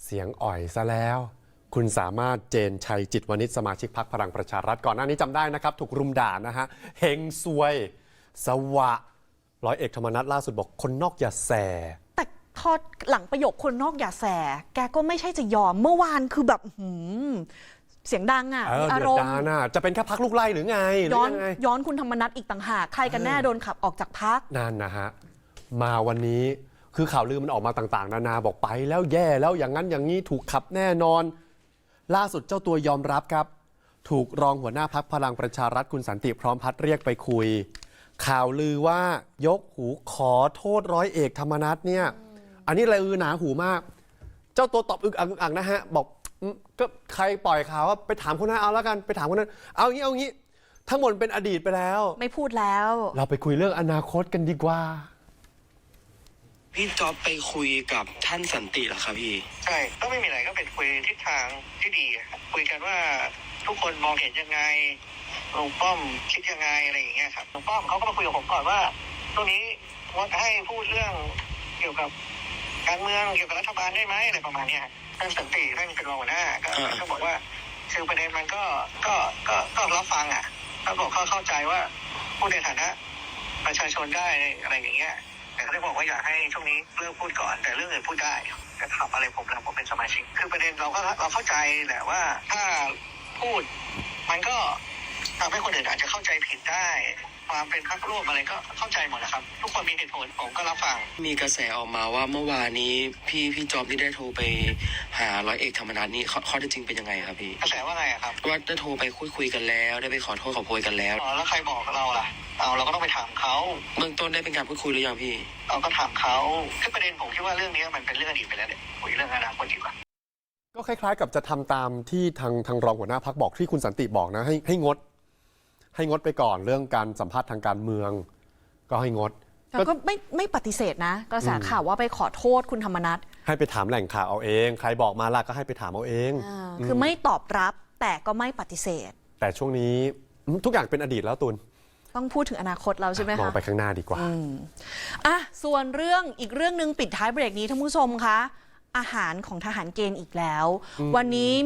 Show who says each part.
Speaker 1: เสียงอ่อยซะแล้วคุณสามารถเจนชัยจิตวณิชสมาชิกพรรคพลังประชารัฐก่อนหน้านี้จำได้นะครับถูกรุมด่านะฮะเฮงซวยสวะร้อยเอกธรรมนัฐล่าสุดบอกคนนอกอย่าแส
Speaker 2: แต่พอหลังประโยคคนนอกอย่าแสแกก็ไม่ใช่จะยอมเมื่อวานคือแบบเสียงดังอ่ะมีอารมณ์
Speaker 1: จะเป็นแค่พรรคลูกไล่หรือไง
Speaker 2: ย้อนคุณธรรมนัฐอีกต่างหากใครกันแน่โดนขับออกจากพรรค
Speaker 1: นั่นนะฮะมาวันนี้คือข่าวลือมันออกมาต่างๆนานาบอกไปแล้วแย่แล้วอย่างนั้นอย่างนี้ถูกขับแน่นอนล่าสุดเจ้าตัวยอมรับครับถูกรองหัวหน้าพรรคพลังประชารัฐคุณสันติพร้อมพัฒน์เรียกไปคุยข่าวลือว่ายกหูขอโทษร้อยเอกธรรมนัฐเนี่ยอันนี้ลือหนาหูมากเจ้าตัวตอบอึกอักนะฮะบอกก็ใครปล่อยข่าวว่าไปถามคนนั้นเอาแล้วกันไปถามคนนั้นเอางี้ทั้งหมดเป็นอดีตไปแล้ว
Speaker 2: ไม่พูดแล้ว
Speaker 1: เราไปคุยเรื่องอนาคตกันดีกว่า
Speaker 3: พี่จ๊อบไปคุยกับท่านสันติเหรอครับพี่
Speaker 4: ใช่ก็ไม่มีอะไรก็เป็นคุยทิศทางที่ดีคุยกันว่าทุกคนมองเห็นยังไงลุงป้อมคิดยังไงอะไรอย่างเงี้ยครับลุงป้อมเขาก็มาคุยกับผมก่อนว่าตรงนี้ว่าให้พูดเรื่องเกี่ยวกับการเมืองเกี่ยวกับรัฐบาลได้ไหมอะไรประมาณนี้ท่านสันติท่านเป็นรองหัวหน้าก็บอกว่าคือประเด็นมันก็รับฟังก็บอกเข้าใจว่าพูดในฐานะประชาชนได้อะไรอย่างเงี้ยแต่เขาได้บอกว่าอยากให้ช่วงนี้เลิกพูดก่อนแต่เรื่องอื่นพูดได้แต่ถามอะไรผมเป็นสมาชิกคือประเด็นเราเข้าใจแหละว่าถ้าพูดมันก็ทำให้คนอื่นอาจจะเข้าใจผิดได้ความเป็นพรรคร่วมอะไรก็เข้าใจหมดนะครับทุกคนมีเหตุผลผมก็รับฟัง
Speaker 3: มีกระแสออกมาว่าเมื่อวานนี้พี่จ๊อบนี่ได้โทรไปหาร้อยเอกธรรมนัฐนี่ข้อเท็จจริงเป็นยังไงครับพี่
Speaker 4: กระแสว่าไงครับ
Speaker 3: ว่าได้โทรไปคุยกันแล้วได้ไปขอโทษขอโพยกันแล้ว
Speaker 4: แล้วใครบอกเราล่ะเราก็ต้องไปถามเขา
Speaker 3: เบื้องต้นได้เป็นการพูดคุยหรือยังพี่
Speaker 4: เราก็ถามเขาคือประเด็นผมคิดว่าเรื่องนี้มันเป็นเรื่องอดีตไปแล้วเนี่ยคุยเรื่องอนาคตดีกว่า
Speaker 1: ก็คล้ายๆกับจะทำตามที่ทางรองหัวหน้าพรรคบอกที่คุณสันติบอกนะให้งดไปก่อนเรื่องการสัมภาษณ์ทางการเมืองก็ให้งด
Speaker 2: แต่ก็ไม่ปฏิเสธนะกระแสข่าวว่าไปขอโทษคุณธรรมนัฐ
Speaker 1: ให้ไปถามแหล่งข่าวเอาเองใครบอกมาล่ะก็ให้ไปถามเอาเอง
Speaker 2: คือไม่ตอบรับแต่ก็ไม่ปฏิเสธ
Speaker 1: แต่ช่วงนี้ทุกอย่างเป็นอดีตแล้วตุล
Speaker 2: ต้องพูดถึงอนาคตแล้วใช่ไหมคะ
Speaker 1: มองไปข้างหน้าดีกว่า
Speaker 2: ส่วนอีกเรื่องนึงปิดท้ายเบรกนี้ท่านผู้ชมคะอาหารของทหารเกณฑ์อีกแล้ววันนี้